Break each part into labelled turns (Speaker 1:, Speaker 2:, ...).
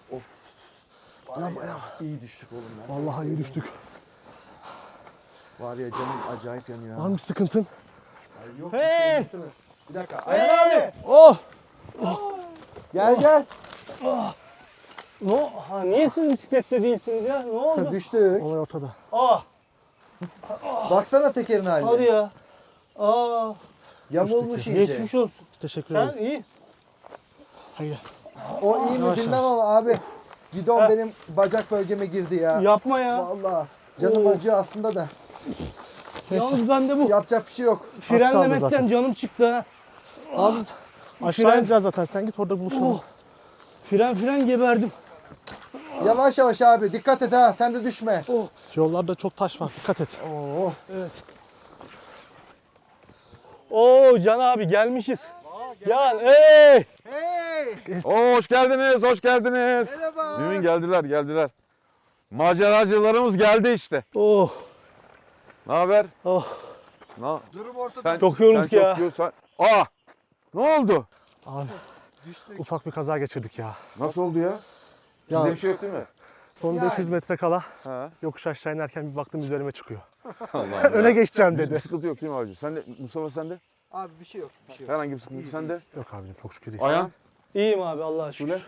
Speaker 1: Of.
Speaker 2: Anam ayağım.
Speaker 1: İyi düştük oğlum ya.
Speaker 2: Vallahi iyi düştük.
Speaker 1: Var ya canım acayip yanıyor.
Speaker 2: Var mı bir sıkıntın?
Speaker 1: Ay yok.
Speaker 3: Hey!
Speaker 1: Bir dakika.
Speaker 3: Ayhan abi.
Speaker 2: Oh!
Speaker 1: Gel.
Speaker 3: Niye siz bisiklette değilsiniz ya? Ne oldu?
Speaker 1: Düştük.
Speaker 2: Olay ortada.
Speaker 3: Aa,
Speaker 1: Baksana tekerin haline.
Speaker 3: hadi ya. Aa,
Speaker 1: Yamulmuş iyice.
Speaker 3: geçmiş olsun.
Speaker 2: Teşekkür
Speaker 3: Sen
Speaker 2: ederim.
Speaker 3: iyi.
Speaker 2: Haydi.
Speaker 1: O iyi mi
Speaker 2: Yavaş
Speaker 1: bilmem
Speaker 2: yavaş.
Speaker 1: ama abi. Gidon
Speaker 3: Heh.
Speaker 1: benim bacak bölgeme girdi ya.
Speaker 3: Yapma ya.
Speaker 1: Vallahi. Canım
Speaker 3: Oo.
Speaker 1: acıyor aslında da.
Speaker 2: Neyse.
Speaker 3: Yalnız ben de bu
Speaker 1: Yapacak bir şey yok.
Speaker 3: frenlemekten
Speaker 2: zaten.
Speaker 3: canım çıktı ha.
Speaker 2: Abi biz aşağı
Speaker 3: Fren-
Speaker 2: ineceğiz zaten. Sen git orada buluşalım.
Speaker 3: Oh. Fren geberdim.
Speaker 1: Yavaş yavaş abi. Dikkat et ha. Sen de düşme.
Speaker 2: Yollarda çok taş var. Dikkat et.
Speaker 1: Oo.
Speaker 3: Evet. Oo Can abi gelmişiz. Can hey!
Speaker 4: Hoş geldiniz, hoş geldiniz.
Speaker 1: Merhaba.
Speaker 4: Mümin geldiler. Maceracılarımız geldi işte.
Speaker 3: Oh.
Speaker 4: Ne haber?
Speaker 3: Oh.
Speaker 4: Ne?
Speaker 1: Durum ortada.
Speaker 4: Sen,
Speaker 3: Çok yorulduk
Speaker 4: sen
Speaker 3: ya.
Speaker 4: Çok sen... Aa! Ne oldu?
Speaker 2: Abi ufak bir kaza geçirdik ya.
Speaker 4: Nasıl oldu ya?
Speaker 2: Ya
Speaker 4: Size bir şey yok değil mi?
Speaker 2: son
Speaker 1: Yani.
Speaker 2: 500 metre kala
Speaker 4: Ha.
Speaker 2: yokuş aşağı inerken bir baktım üzerime çıkıyor.
Speaker 4: Allah'ım
Speaker 2: Öne
Speaker 4: ya.
Speaker 2: geçeceğim
Speaker 4: Bir
Speaker 2: dedi.
Speaker 4: sıkıntı yok değil mi abicim? Sen de, Mustafa sen de?
Speaker 1: Abi bir şey yok. Bir şey yok.
Speaker 4: Herhangi bir sıkıntı yok. Sen de?
Speaker 2: Yok abicim çok şükür iyiyiz.
Speaker 4: Ayhan?
Speaker 3: İyiyim abi Allah'a şükür.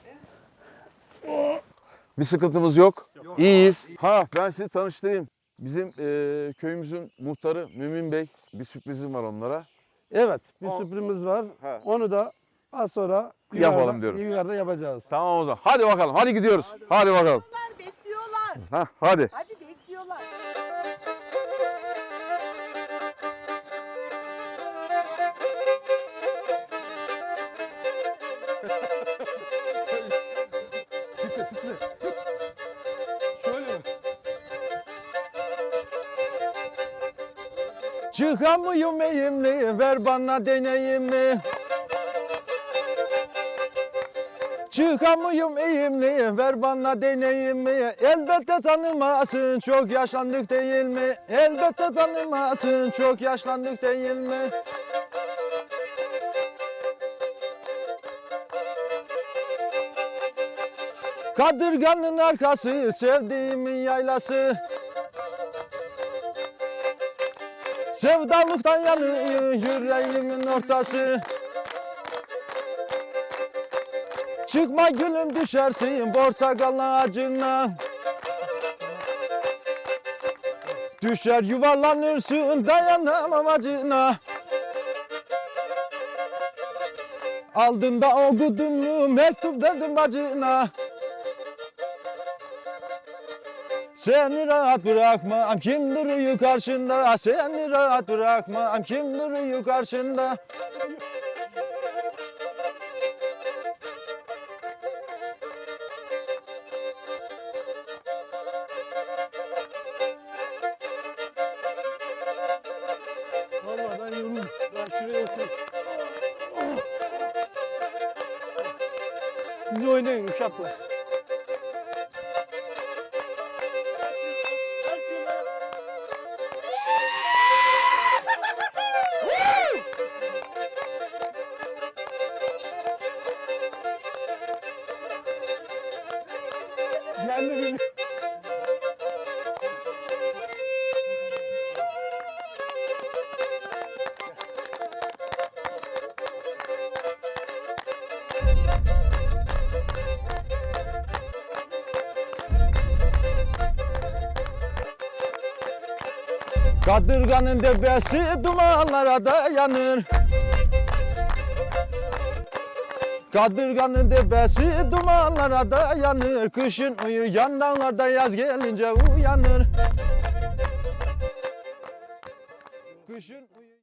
Speaker 4: Bir sıkıntımız yok. İyiyiz. Ha ben sizi tanıştırayım. Bizim köyümüzün muhtarı Mümin Bey. Bir sürprizim var onlara.
Speaker 5: Evet, bir sürprizimiz var.
Speaker 4: Ha.
Speaker 5: Onu da az sonra
Speaker 4: Yapalım diyorum.
Speaker 5: yukarıda yapacağız.
Speaker 4: Tamam o zaman. Hadi bakalım. Hadi gidiyoruz. Hadi bakalım.
Speaker 6: Bekliyorlar.
Speaker 4: Ha, hadi.
Speaker 6: Hadi bekliyorlar.
Speaker 4: Çıkamıyorum eğimli, ver bana deneyimli. Çıkamıyorum eğimli, ver bana deneyimli. Elbette tanımasın, çok yaşlandık değil mi? Elbette tanımasın, çok yaşlandık değil mi? Kadırganın arkası, sevdiğimin yaylası. Sevdalıktan yanıyor yüreğimin ortası. Çıkma gülüm düşersin portakal ağacına. Düşer yuvarlanırsın dayanamam acına. Aldın da okudun mu mektup verdim bacına. Seni rahat bırakmam kim duruyor karşında. Seni rahat bırakmam kim duruyor karşında.
Speaker 3: Vallahi ben yoruldum. Ben şuraya oturayım. Siz oynayın uşaklar. Yendi beni.
Speaker 4: Kadırganın tepesi dumanlara dayanır. Kadırganın tepesi dumanlara dayanır. Kışın uyuyan dağlarda yaz gelince uyanır. Kışın